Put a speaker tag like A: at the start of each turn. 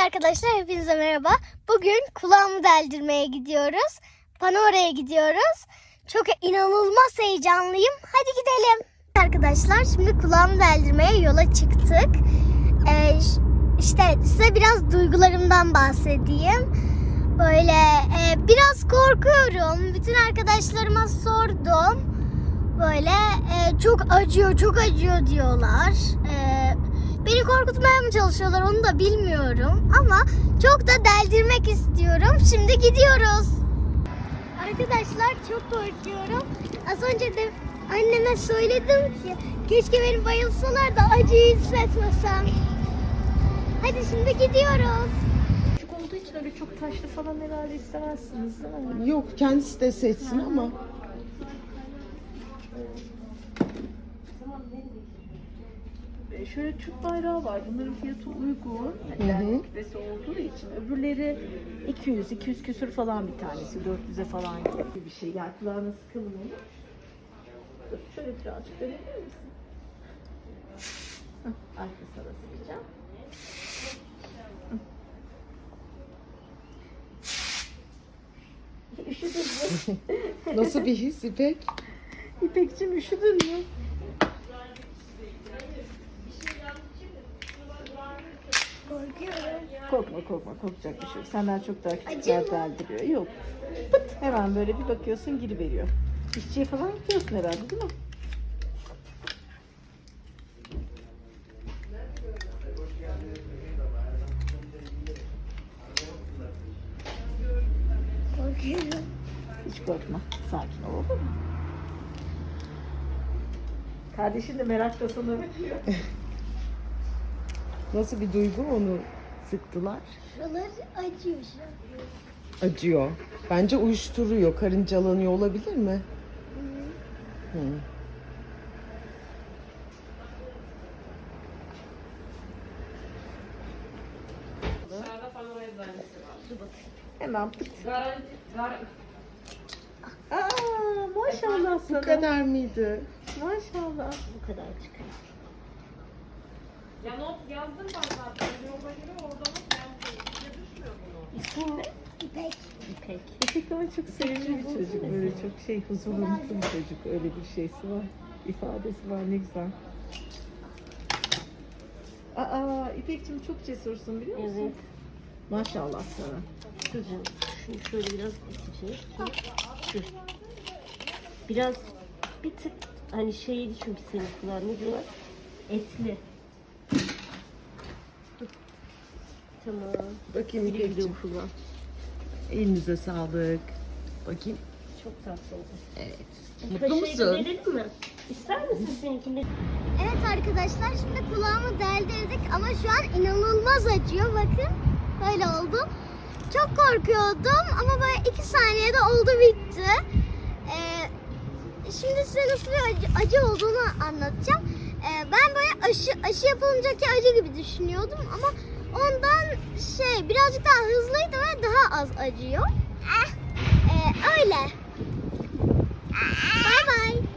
A: arkadaşlar, hepinize merhaba. Bugün kulağımı deldirmeye gidiyoruz. Panora'ya gidiyoruz. Çok inanılmaz heyecanlıyım. Hadi gidelim. Arkadaşlar, şimdi kulağımı deldirmeye yola çıktık. İşte size biraz duygularımdan bahsedeyim. Böyle biraz korkuyorum. Bütün arkadaşlarıma sordum. Böyle çok acıyor diyorlar. Beni korkutmaya mı çalışıyorlar onu da bilmiyorum. Ama çok da deldirmek istiyorum. Şimdi gidiyoruz. Arkadaşlar, çok korkuyorum. Az önce de anneme söyledim ki keşke beni bayılsalar da acıyı hissetmesem. Hadi şimdi gidiyoruz.
B: Küçük olduğu için öyle çok taşlı falan herhalde istemezsiniz değil mi?
C: Yok, kendisi de seçsin ama.
B: Şöyle Türk bayrağı var. Bunların fiyatı uygun. Yani küpesi olduğu için. Öbürleri 200 küsür falan bir tanesi. 400'e falan gibi bir şey. Yani kulağına sıkılmıyor. Dur şöyle birazcık dönebilir misin? Arkasına da sıkacağım. Üşüdün mü?
C: Nasıl bir his İpek?
B: İpekciğim üşüdün mü?
A: Korkuyorum.
B: Korkma, korkacak bir şey yok. Senden çok daha küçükler deldiriyor. Yok. Pıt, hemen böyle bir bakıyorsun giriveriyor. İşçiye falan gidiyorsun herhalde değil mi?
A: Korkuyorum.
B: Hiç korkma. Sakin ol, olur mu? Kardeşin de merakla sana bakıyor.
C: Nasıl bir duygu onu sıktılar?
A: Şuralar acıyor şu an.
C: Acıyor. Bence uyuşturuyor, karıncalanıyor olabilir mi? Hı.
B: Hemen pıt. Aa, maşallah sana.
C: Bu kadar mıydı?
B: Maşallah.
A: Bu kadar çıkıyor.
D: Ya not yazdım ben zaten. Yola göre orada not yazdım. Size düşmüyor bunu.
B: İsmin ne?
A: İpek.
B: İpek. İpek ama çok sevimli bir çocuk. Böyle çok huzurlu, mutlu bir çocuk. Öyle bir şeysi var. İfadesi var, ne güzel. Aa, İpek'cim çok cesursun biliyor musun?
E: Evet.
B: Maşallah sana.
E: Kızım, şunu şöyle biraz iteceğiz. Dur. Biraz bir tık hani şeydi çünkü senin kulağın ne diyorlar? Etli. Tamam.
C: Bakayım
E: Güle güle
C: İpek'ciğim.
E: ufula.
C: Elinize sağlık. Bakayım.
E: Çok tatlı oldu.
C: Evet.
E: Kaşığı
C: Mutlu
E: da
C: musun?
E: verelim mi? İster misin seninkini?
A: Evet arkadaşlar, şimdi kulağımı deldirdik ama şu an inanılmaz acıyor. Bakın, böyle oldu. Çok korkuyordum ama böyle 2 saniyede oldu bitti. Şimdi size nasıl bir acı olduğunu anlatacağım. Ben böyle aşı yapılıncaki acı gibi düşünüyordum ama ondan birazcık daha hızlıydı ve daha az acıyor. Öyle. Bay bay.